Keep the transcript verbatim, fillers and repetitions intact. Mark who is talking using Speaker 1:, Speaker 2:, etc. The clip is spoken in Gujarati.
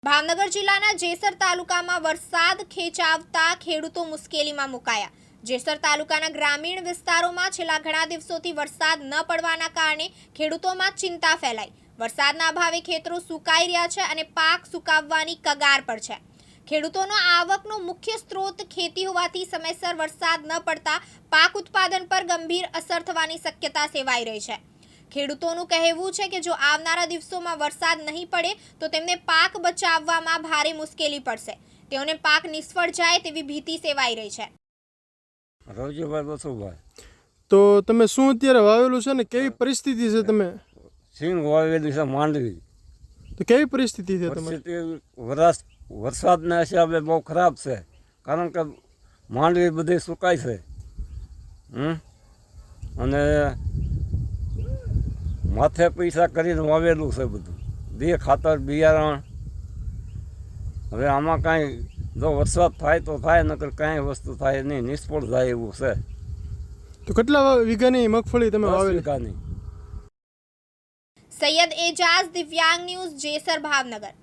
Speaker 1: ભાવનગર જિલ્લાના જેસર તાલુકામાં વરસાદ ખેંચાવતા ખેડૂતો મુશ્કેલીમાં મુકાયા। જેસર તાલુકાના ગ્રામીણ વિસ્તારોમાં છેલ્લા ઘણા દિવસોથી વરસાદ ન પડવાના કારણે ખેડૂતોમાં ચિંતા ફેલાઈ। વરસાદના અભાવે ખેતરો સુકાઈ રહ્યા છે અને પાક સુકાવવાની કગાર પર છે। ખેડૂતોનો આવકનો મુખ્ય સ્ત્રોત ખેતી હોવાથી સમયસર વરસાદ ન પડતા પાક ઉત્પાદન પર ગંભીર અસર થવાની શક્યતા સેવાઈ રહી છે। ખેડૂતોનું કહેવું છે કે જો આવનારા દિવસોમાં વરસાદ નહીં પડે તો તેમને પાક બચાવવામાં ભારે મુશ્કેલી પડશે। તેઓને પાક નિષ્ફળ જાય તેવી ભીતિ સેવાઈ રહી છે।
Speaker 2: રવજીભાઈ બસુભાઈ,
Speaker 3: તો તમે શું અત્યારે વાવેલું છે ને કેવી પરિસ્થિતિ છે? તમે
Speaker 2: સિંગ વાવેલી છે માંડવી,
Speaker 3: તો કેવી પરિસ્થિતિ છે તમારી?
Speaker 2: પરિસ્થિતિ વરસ વરસાદના હિસાબે બહુ ખરાબ છે, કારણ કે માંડવી બધી સુકાય છે હમ અને માથે પૈસા કરીને વાવેલું છે બધું, બે ખાતર બિયારણ। હવે આમાં કાંઈ જો વરસાદ થાય તો થાય, નકર કાંઈ વસ્તુ થાય નહીં, નિષ્ફળ જાય એવું છે।
Speaker 3: તો કેટલા વીઘાની મગફળી તમે
Speaker 2: દસ
Speaker 3: વાવેલી?
Speaker 2: વીઘાની।
Speaker 1: સૈયદ એજાઝ, દિવ્યાંગ ન્યૂઝ, જેસર, ભાવનગર।